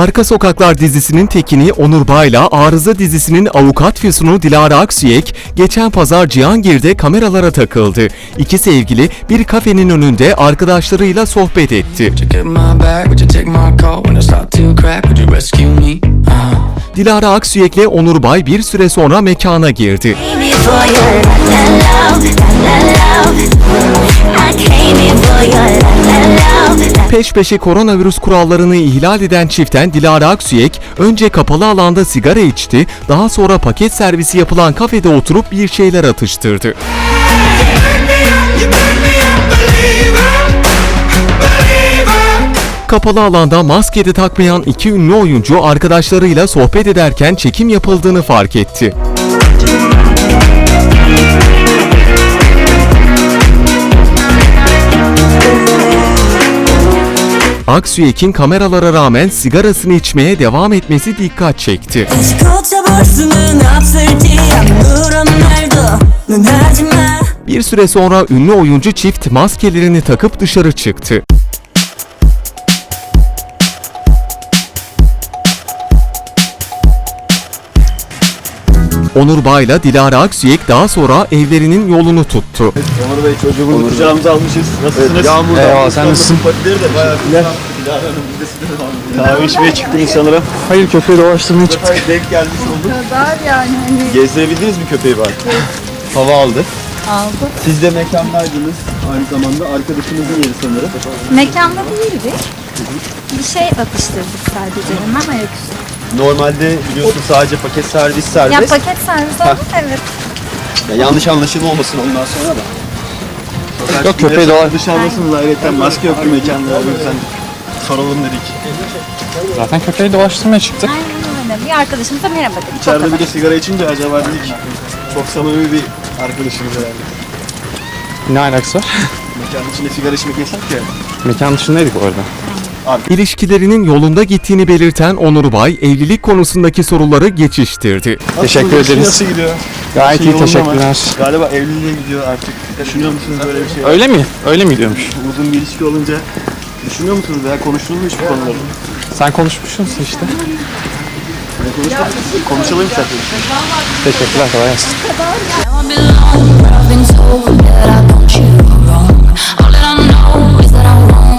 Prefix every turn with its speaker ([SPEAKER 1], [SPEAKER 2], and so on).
[SPEAKER 1] Arka Sokaklar dizisinin tekini Onur Bay'la Arıza dizisinin avukat füsunu Dilara Aksüyek geçen pazar Cihangir'de kameralara takıldı. İki sevgili bir kafenin önünde arkadaşlarıyla sohbet etti. Dilara Aksüyek'le Onur Bay bir süre sonra mekana girdi. Peş peşe koronavirüs kurallarını ihlal eden çiften Dilara Aksüyek önce kapalı alanda sigara içti, daha sonra paket servisi yapılan kafede oturup bir şeyler atıştırdı. Kapalı alanda maske de takmayan iki ünlü oyuncu arkadaşlarıyla sohbet ederken çekim yapıldığını fark etti. Aksüyek'in kameralara rağmen sigarasını içmeye devam etmesi dikkat çekti. Bir süre sonra ünlü oyuncu çift maskelerini takıp dışarı çıktı. Onur Bay'la Dilara Aksüyek daha sonra evlerinin yolunu tuttu.
[SPEAKER 2] Onur Bey çocuğumu kucağımıza almışız. Nasılsınız? Evet, yağmurda.
[SPEAKER 3] Eyvallah, sen nasılsın?
[SPEAKER 2] Patileri de bayağı güzel. Dilara Hanım bizde kahve içmeye çıktınız sanırım.
[SPEAKER 3] Hayır, köpeği dolaştırmaya çıktık.
[SPEAKER 2] Denk gelmiş olduk.
[SPEAKER 4] Kadar yani hani.
[SPEAKER 2] Gezdirebildiniz mi köpeği bari? Hava aldı.
[SPEAKER 4] Aldı.
[SPEAKER 2] Siz de mekandaydınız. Aynı zamanda arkadaşınızın yeri sanırım.
[SPEAKER 4] Mekanda değildik. Bir şey atıştırdık sadece hemen ayaküstü.
[SPEAKER 2] Normalde biliyorsun sadece paket servis serbest.
[SPEAKER 4] Ya paket servis oldu evet.
[SPEAKER 2] Ya yanlış anlaşılma olmasın ondan sonra da.
[SPEAKER 3] Yok, köpeği dolar.
[SPEAKER 2] Dışarıdasınız ayrıca maske yoktu mekanda. O yüzden soralım dedik.
[SPEAKER 3] Zaten köpeği dolaştırmaya çıktık.
[SPEAKER 4] Aynen öyle. Bir arkadaşımıza merhaba dedik.
[SPEAKER 2] İçeride bir de sigara içince acaba dedik. Çok samimi bir arkadaşımız herhalde.
[SPEAKER 3] Ne alakası var?
[SPEAKER 2] Mekanın içinde sigara içmek yasak ya.
[SPEAKER 3] Mekan dışındaydık orada.
[SPEAKER 1] İlişkilerinin yolunda gittiğini belirten Onur Bay, evlilik konusundaki soruları geçiştirdi.
[SPEAKER 3] Teşekkür ederiz.
[SPEAKER 2] Nasıl gidiyor?
[SPEAKER 3] Gayet iyi,
[SPEAKER 2] yolunda mı?
[SPEAKER 3] teşekkürler.
[SPEAKER 2] Galiba evliliğe gidiyor artık. Düşünüyor musunuz böyle bir şey?
[SPEAKER 3] Öyle mi? Öyle mi gidiyormuş?
[SPEAKER 2] Uzun bir ilişki olunca düşünüyor musunuz veya konuştunuz mu hiç bu konuları?
[SPEAKER 3] Sen konuşmuşsun işte.
[SPEAKER 2] Konuşalım isterseniz.
[SPEAKER 3] Teşekkürler, kolay gelsin.
[SPEAKER 5] Now I belong, but I've been told that I want you wrong. All that I know is that I want